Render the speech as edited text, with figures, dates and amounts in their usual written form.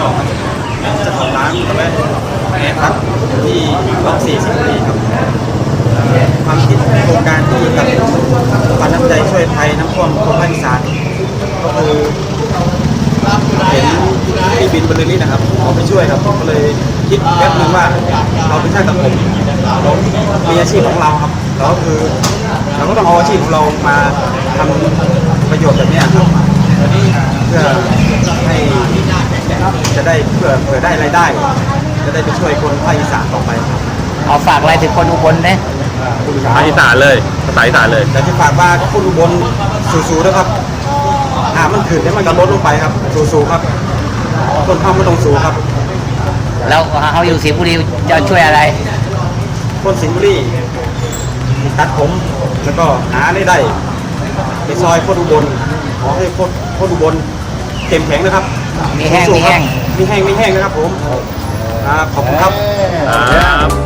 เจ้าของร้านกาแฟแอร์พักที่ล็อก4 สิงห์บุรีครับความคิดโครงการที่กับปันน้ำใจช่วยภัยน้ำท่วมคนภาคอีสานก็คือเห็นพี่บินบรรลือฤทธิ์นะครับเขาไปช่วยครับก็เลยคิดแป๊บนึงว่าเราเป็นช่างตัดผมเรามีอาชีพของเราครับเราก็คือเราก็ต้องเอาอาชีพของเรามาทำประโยชน์แบบนี้ครับเพื่อให้จะได้เพื่อได้รายได้ จะได้ไปช่วยคนภาคอีสานต่อไปครับเอาฝากอะไรถึงคนอุบลนะภาษาอีสานเลยภาษาอีสานเลยแต่ที่ฝากว่าคนอุบลสู้ๆนะครับมันขึ้นแล้วมันก็ลดลงไปครับสู้ๆครับคนเข้าไม่ต้องสู้ครับแล้วเขาอยู่สิงห์บุรีจะช่วยอะไรคนสิงห์บุรีตัดผมแล้วก็หารายได้ไปซอยคนอุบลขอให้คนอุบลเข้มแข็งนะครับมีแห้งสู้ๆมีแห้งครับมีแห้งนะครับผมขอบคุณครับครับ